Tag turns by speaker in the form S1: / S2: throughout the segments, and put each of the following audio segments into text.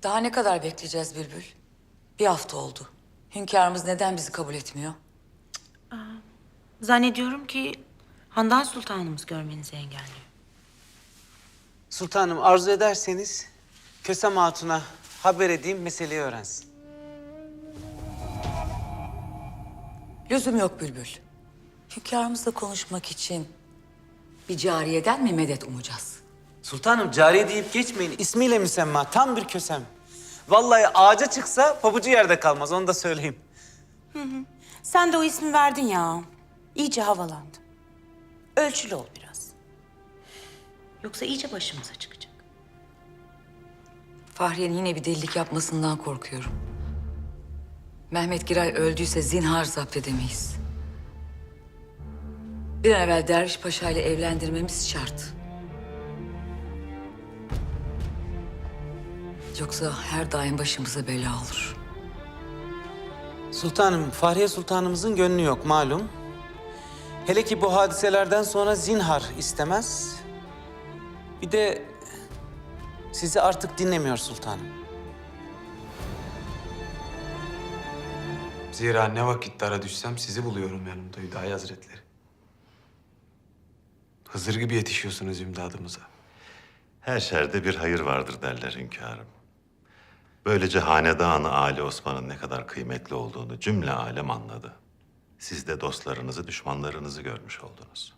S1: Daha ne kadar bekleyeceğiz Bülbül? Bir hafta oldu. Hünkârımız neden bizi kabul etmiyor?
S2: Zannediyorum ki Handan Sultanımız görmenizi engelliyor.
S3: Sultanım arzu ederseniz Kösem Hatun'a haber edeyim, meseleyi öğrensin.
S1: Lüzum yok Bülbül. Hünkârımızla konuşmak için bir cariyeden mi medet umacağız?
S3: Sultanım cariye deyip geçmeyin. İsmiyle müsemma, tam bir Kösem. Vallahi ağaca çıksa pabucu yerde kalmaz, onu da söyleyeyim.
S2: Sen de o ismi verdin ya. İyice havalandı. Ölçülü ol biraz. Yoksa iyice başımıza çıkacak.
S1: Fahriye'nin yine bir delilik yapmasından korkuyorum. Mehmet Giray öldüyse zinhar zapt edemeyiz. Bir an evvel Derviş Paşa ile evlendirmemiz şart. Yoksa her daim başımıza bela olur.
S3: Sultanım, Fahriye Sultanımızın gönlü yok malum. Hele ki bu hadiselerden sonra zinhar istemez. Bir de sizi artık dinlemiyor sultanım.
S4: Zira ne vakit dara düşsem sizi buluyorum yanımda Hüdayi Hazretleri. Hızır gibi yetişiyorsunuz imdadımıza.
S5: Her şerde bir hayır vardır derler hünkârım. Böylece hanedanı Ali Osman'ın ne kadar kıymetli olduğunu cümle alem anladı. Siz de dostlarınızı, düşmanlarınızı görmüş oldunuz.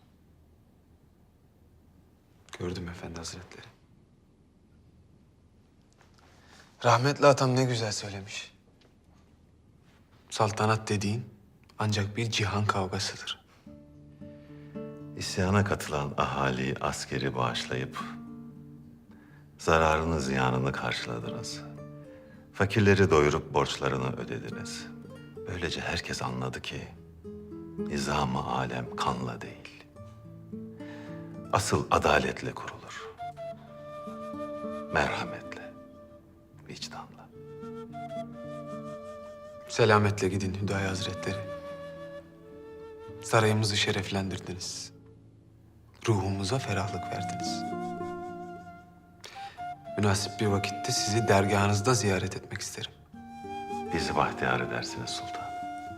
S4: Gördüm Efendi Hazretleri. Rahmetli atam ne güzel söylemiş. Saltanat dediğin ancak bir cihan kavgasıdır.
S5: İsyana katılan ahali askeri bağışlayıp zararını ziyanını karşıladınız. Fakirleri doyurup borçlarını ödediniz. Böylece herkes anladı ki nizam-ı alem kanla değil, asıl adaletle kurulur. Merhametle, vicdanla.
S4: Selametle gidin Hüdayi Hazretleri. Sarayımızı şereflendirdiniz. Ruhumuza ferahlık verdiniz. Münasip bir vakitte sizi dergahınızda ziyaret etmek isterim.
S5: Bizi bahtiyar edersiniz sultan.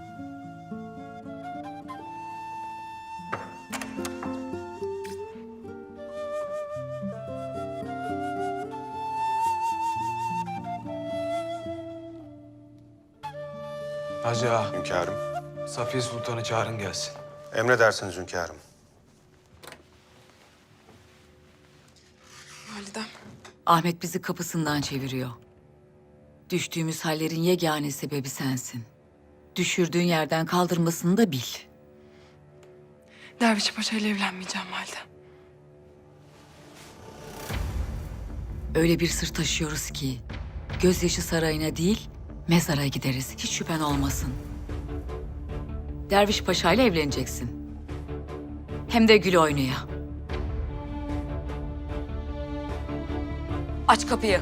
S4: Hacı ağa,
S6: Hünkârım.
S4: Safiye Sultan'ı çağırın gelsin.
S6: Emredersiniz hünkârım.
S7: Validem.
S1: Ahmet bizi kapısından çeviriyor. Düştüğümüz hallerin yegane sebebi sensin. Düşürdüğün yerden kaldırmasını da bil.
S7: Derviş Paşa ile evlenmeyeceğim validem.
S1: Öyle bir sır taşıyoruz ki gözyaşı sarayına değil mezara gideriz. Hiç şüphen olmasın. Derviş Paşa ile evleneceksin. Hem de gül oynaya. Aç kapıyı.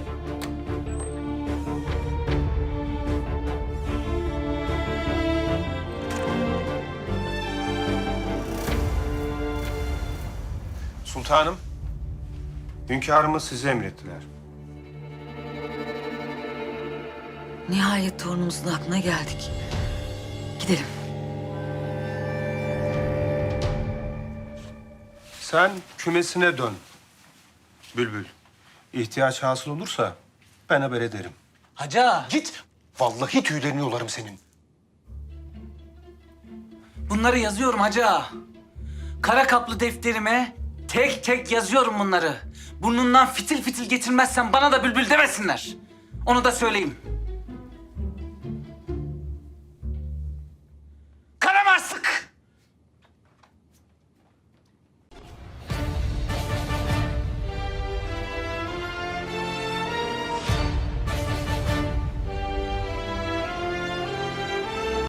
S6: Sultanım. Hünkârımız sizi emrettiler.
S1: Nihayet torunumuzun aklına geldik. Gidelim.
S6: Sen kümesine dön. Bülbül. İhtiyaç hasıl olursa ben haber ederim.
S3: Hacı ağa,
S6: Git. Vallahi tüylerini yolarım senin.
S8: Bunları yazıyorum hacı ağa. Kara kaplı defterime tek tek yazıyorum bunları. Burnundan fitil fitil getirmezsen bana da bülbül demesinler. Onu da söyleyeyim.